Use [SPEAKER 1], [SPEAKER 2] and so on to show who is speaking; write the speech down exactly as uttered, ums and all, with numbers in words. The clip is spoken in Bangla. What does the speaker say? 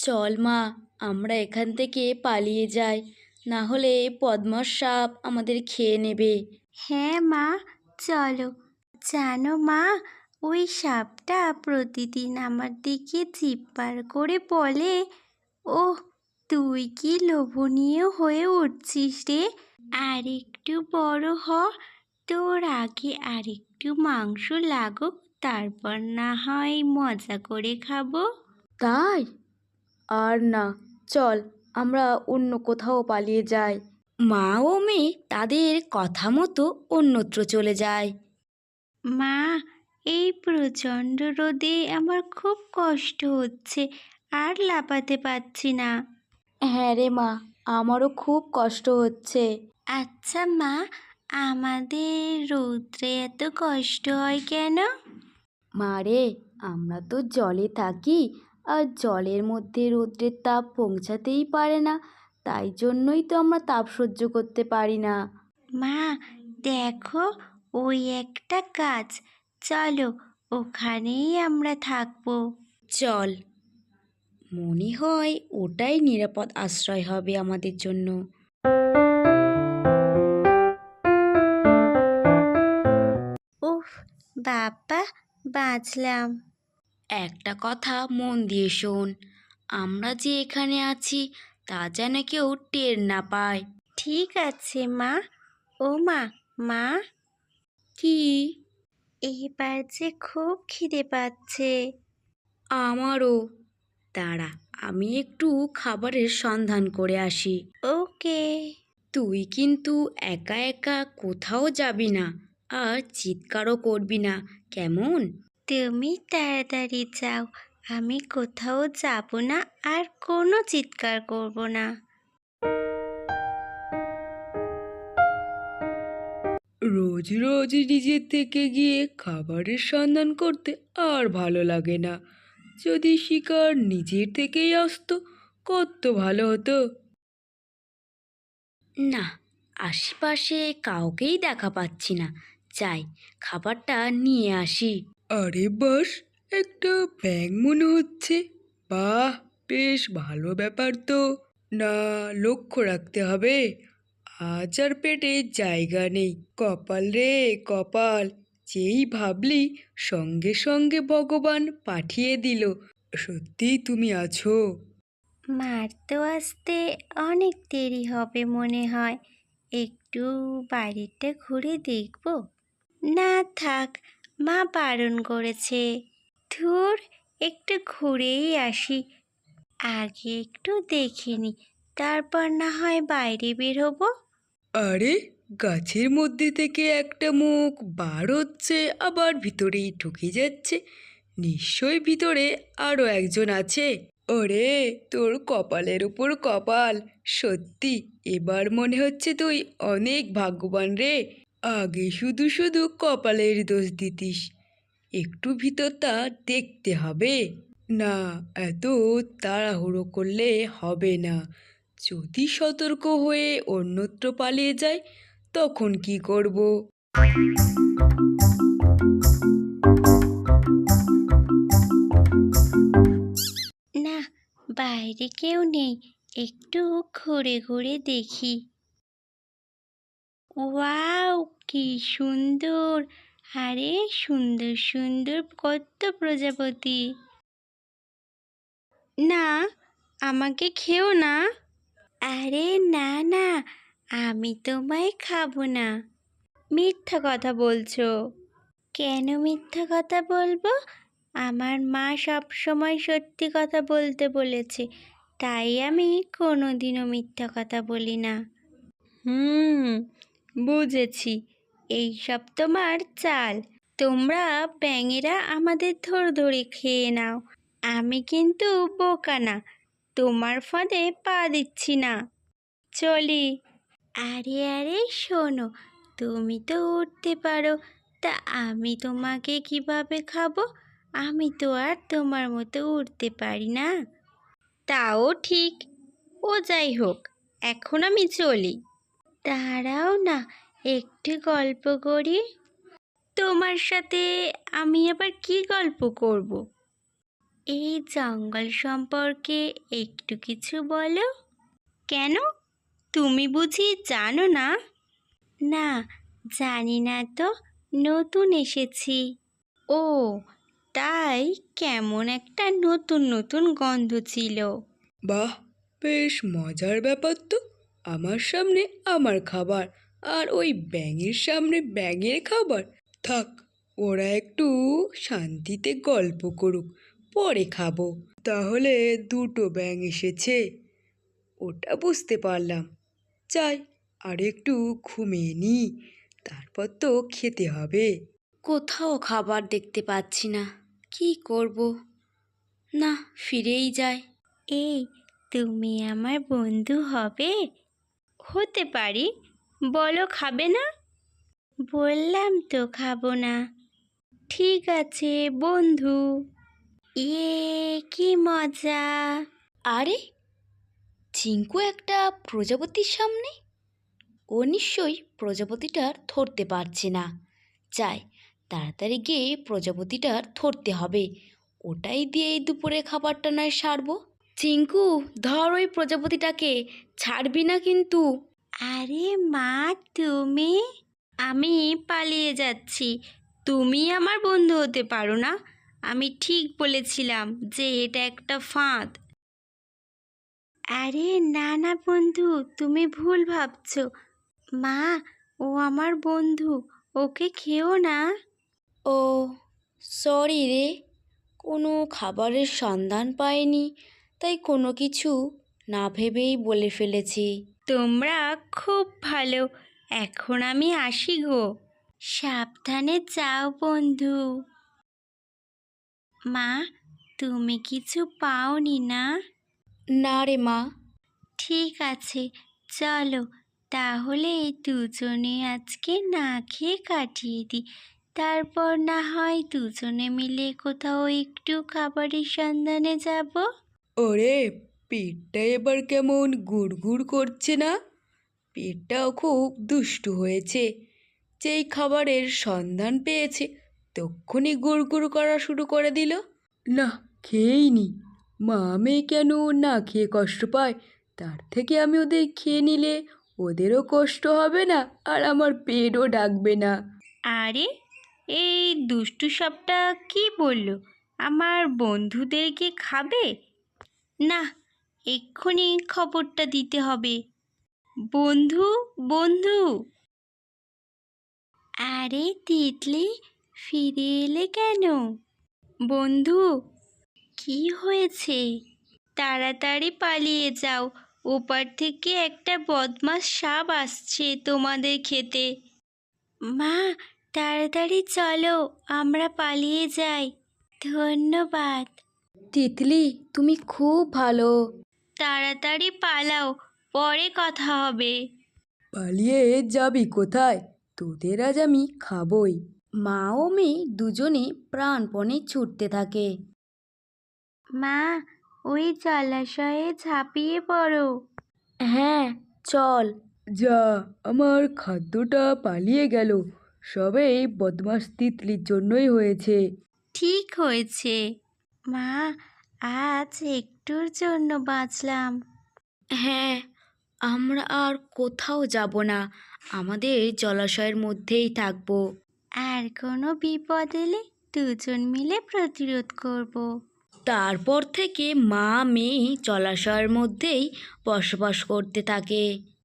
[SPEAKER 1] চল মা, আমরা এখান থেকে পালিয়ে যাই, না হলে পদ্মার সাপ আমাদের খেয়ে নেবে।
[SPEAKER 2] হ্যাঁ মা, চলো। জানো মা, ওই সাপটা প্রতিদিন আমার দিকে জিভ বার করে বলে, ওহ, তুই কি লোভনীয় হয়ে উঠছিস রে, আর একটু বড় হ, তোর আগে আর একটু মাংস লাগুক, তারপর না হয় মজা করে খাবো।
[SPEAKER 1] তাই? আর না, চল আমরা অন্য কোথাও পালিয়ে যাই। মা ও মেয়ে তাদের কথা মতো অন্যত্র চলে যায়।
[SPEAKER 2] মা, এই প্রচণ্ড রোদে আমার খুব কষ্ট হচ্ছে, আর লাফাতে পারছি না।
[SPEAKER 1] হ্যাঁ রে মা, আমারও খুব কষ্ট হচ্ছে।
[SPEAKER 2] আচ্ছা মা, আমাদের রৌদ্রে এত কষ্ট হয় কেন?
[SPEAKER 1] মা রে, আমরা তো জলে থাকি, আর জলের মধ্যে রৌদ্রের তাপ পৌঁছাতেই পারে না, তাই জন্যই তো আমরা তাপ সহ্য করতে পারি না।
[SPEAKER 2] মা, দেখো, ওই একটা গাছ, চলো ওখানেই আমরা থাকবো।
[SPEAKER 1] চল, মনে হয় ওটাই নিরাপদ আশ্রয় হবে আমাদের জন্য।
[SPEAKER 2] উফ, বাবা, বাঁচলাম।
[SPEAKER 1] একটা কথা মন দিয়ে শোন, আমরা যে এখানে আছি তা যেন কেউ টের না পায়।
[SPEAKER 2] ঠিক আছে মা। ও মা, মা,
[SPEAKER 1] কি?
[SPEAKER 2] এবার যে খুব খিদে পাচ্ছে।
[SPEAKER 1] আমারও। দাঁড়া, আমি একটু খাবারের সন্ধান করে আসি।
[SPEAKER 2] ওকে।
[SPEAKER 1] তুই কিন্তু একা একা কোথাও যাবি না, আর চিৎকারও করবি না, কেমন?
[SPEAKER 2] তুমি তাড়াতাড়ি যাও, আমি কোথাও যাব না, আর কোনো চিৎকার করব না।
[SPEAKER 1] রোজ রোজ নিজের থেকে গিয়ে খাবারের সন্ধান করতে আর ভালো লাগে না। যদি শিকার নিজের থেকেই আসতো কত ভালো হতো। না, আশেপাশে কাউকেই দেখা পাচ্ছি না, যাই খাবারটা নিয়ে আসি। আরে বাস, একটা ব্যাঙ মনে হচ্ছে। বাহ, বেশ ভালো ব্যাপার তো। না, লক্ষ্য রাখতে হবে, আজ আর পেটে জায়গা নেই। কপাল রে কপাল, যেই ভাবলি সঙ্গে সঙ্গে ভগবান পাঠিয়ে দিল। সত্যিই তুমি আছো।
[SPEAKER 2] মার তো আসতে অনেক দেরি হবে মনে হয়, একটু বাইরেটা ঘুরে দেখব। না থাক, মা বারণ করেছে। ধুর, একটু ঘুরেই আসি, আগে একটু দেখে নি, তারপর না হয় বাইরে বের হবো।
[SPEAKER 1] আরে, গাছের মধ্যে থেকে একটা মুখ বার হচ্ছে, আবার ভিতরেই ঢুকে যাচ্ছে। নিশ্চয়ই ভিতরে আরো একজন আছে। ওরে, তোর কপালের উপর কপাল। সত্যি, এবার মনে হচ্ছে তুই অনেক ভাগ্যবান রে। আগে শুধু শুধু কপালের দোষ দিতিস। একটু ভিতরটা দেখতে হবে। না, এত তাড়াহুড়ো করলে হবে না। যদি সতর্ক হয়ে অন্যত্র পালিয়ে যায় তখন কি করব?
[SPEAKER 2] না, বাইরে কেউ নেই, একটু ঘুরে ঘুরে দেখি। ওয়াও, কি সুন্দর! আরে, সুন্দর সুন্দর কত প্রজাপতি! না, আমাকে খেও না। আরে না না, আমি তোমায় খাবো না। মিথ্যা কথা বলছো। কেন মিথ্যা কথা বলবো? আমার মা সব সময় সত্যি কথা বলতে বলেছে, তাই আমি কোনোদিনও মিথ্যা কথা বলি না। হুম, বুঝেছি, এই সব তোমার চাল। তোমরা ব্যাঙেরা আমাদের ধরে ধরে খেয়ে নাও, আমি কিন্তু বোকা না, তোমার ফাঁদে পা দিচ্ছি না। চলি। আরে আরে শোনো, তুমি তো উঠতে পারো, তা আমি তোমাকে কিভাবে খাবো? আমি তো আর তোমার মতো উঠতে পারি না। তাও ঠিক। ও যাই হোক, এখন আমি চলি। দাঁড়াও না, একটু গল্প করি। তোমার সাথে আমি আবার কি গল্প করব? এই জঙ্গল সম্পর্কে একটু কিছু বলো। কেন, তুমি বুঝি জানো না? না, জানি না তো, নতুন এসেছি। ও, তাই কেমন একটা নতুন নতুন গন্ধ ছিল।
[SPEAKER 1] বাহ, বেশ মজার ব্যাপার তো। আমার সামনে আমার খাবার, আর ওই ব্যাঙের সামনে ব্যাঙের খাবার। থাক, ওরা একটু শান্তিতে গল্প করুক, পরে খাবো। তাহলে দুটো ব্যাঙ এসেছে, ওটা বুঝতে পারলাম। যাই, আর একটু ঘুমিয়ে নিই, তারপর তো খেতে হবে। কোথাও খাবার দেখতে পাচ্ছি না, কি করব? না, ফিরেই যাই।
[SPEAKER 2] এই, তুমি আমার বন্ধু হবে? হতে পারি, বলো খাবে না? বললাম তো খাবো না। ঠিক আছে বন্ধু। ইয়ে, কি মজা!
[SPEAKER 1] আরে, চিঙ্কু একটা প্রজাপতির সামনে। ও নিশ্চয়ই প্রজাপতিটার ধরতে পারছে না। যাই, তাড়াতাড়ি গিয়ে প্রজাপতিটার ধরতে হবে, ওটাই দিয়ে এই দুপুরে খাবারটা নয় সারবো। চিঙ্কু, ধর ওই প্রজাপতিটাকে, ছাড়বি না কিন্তু।
[SPEAKER 2] আরে মা, তুমি? আমি পালিয়ে যাচ্ছি, তুমি আমার বন্ধু হতে পারো না। আমি ঠিক বলেছিলাম যে এটা একটা ফাঁদ। আরে না না বন্ধু, তুমি ভুল ভাবছো। মা, ও আমার বন্ধু, ওকে খেও না।
[SPEAKER 1] ও, সরি রে, কোনো খাবারের সন্ধান পাইনি, তাই কোনো কিছু না ভেবেই বলে ফেলেছি।
[SPEAKER 2] তোমরা খুব ভালো, এখন আমি আসি গো। সাবধানে যাও বন্ধু। মা, তুমি কিছু পাওনি না?
[SPEAKER 1] না রে মা।
[SPEAKER 2] ঠিক আছে, চলো তাহলে দুজনে আজকে না খেয়ে কাটিয়ে দিই। তারপর না হয় দুজনে মিলে কোথাও একটু খাবারের সন্ধানে যাব।
[SPEAKER 1] ওরে, পেটটা এবার কেমন গুড়গুড় করছে না? পেটটাও খুব দুষ্টু হয়েছে, যেই খাবারের সন্ধান পেয়েছে তক্ষুনি গুড়গুড় করা শুরু করে দিল। না, খেয়েই নি। মা মেয়ে কেন না খেয়ে কষ্ট পায়, তার থেকে আমি ওদের খেয়ে নিলে ওদেরও কষ্ট হবে না, আর আমার পেটও ডাকবে না।
[SPEAKER 2] আরে, এই দুষ্টু সাপটা কি বলল? আমার বন্ধুদেরকে খাবে? না, এক্ষুনি খবরটা দিতে হবে। বন্ধু, বন্ধু! আরে তিতলি, ফিরে এলে কেন? বন্ধু, কি হয়েছে? তাড়াতাড়ি পালিয়ে যাও, ওপার থেকে একটা বদমাস সাপ আসছে তোমাদের খেতে। মা, তাড়াতাড়ি চলো, আমরা পালিয়ে যাই। ধন্যবাদ।
[SPEAKER 1] তিতলি, তুমি খুব ভালো।
[SPEAKER 2] তাড়াতাড়ি পালাও, পরে কথা হবে।
[SPEAKER 1] পালিয়ে যাবি কোথায়? তোদের আজ আমি খাবই। মা ও মেয়ে দুজনে প্রাণপণে ছুটতে থাকে।
[SPEAKER 2] মা, ওই জলাশয়ে ঝাঁপিয়ে পড়ো।
[SPEAKER 1] হ্যাঁ, চল। যা, আমার খাদ্যটা পালিয়ে গেল, সবে এই বদমাস তিতলির জন্যই হয়েছে।
[SPEAKER 2] ঠিক হয়েছে মা, আজ একটুর জন্য বাঁচলাম।
[SPEAKER 1] হ্যাঁ, আমরা আর কোথাও যাব না, আমাদের জলাশয়ের মধ্যেই থাকবো।
[SPEAKER 2] আর কোনো বিপদ এলে দুজন মিলে প্রতিরোধ করব।
[SPEAKER 1] তারপর থেকে মা মেয়ে জলাশয়ের মধ্যেই বসবাস করতে থাকে।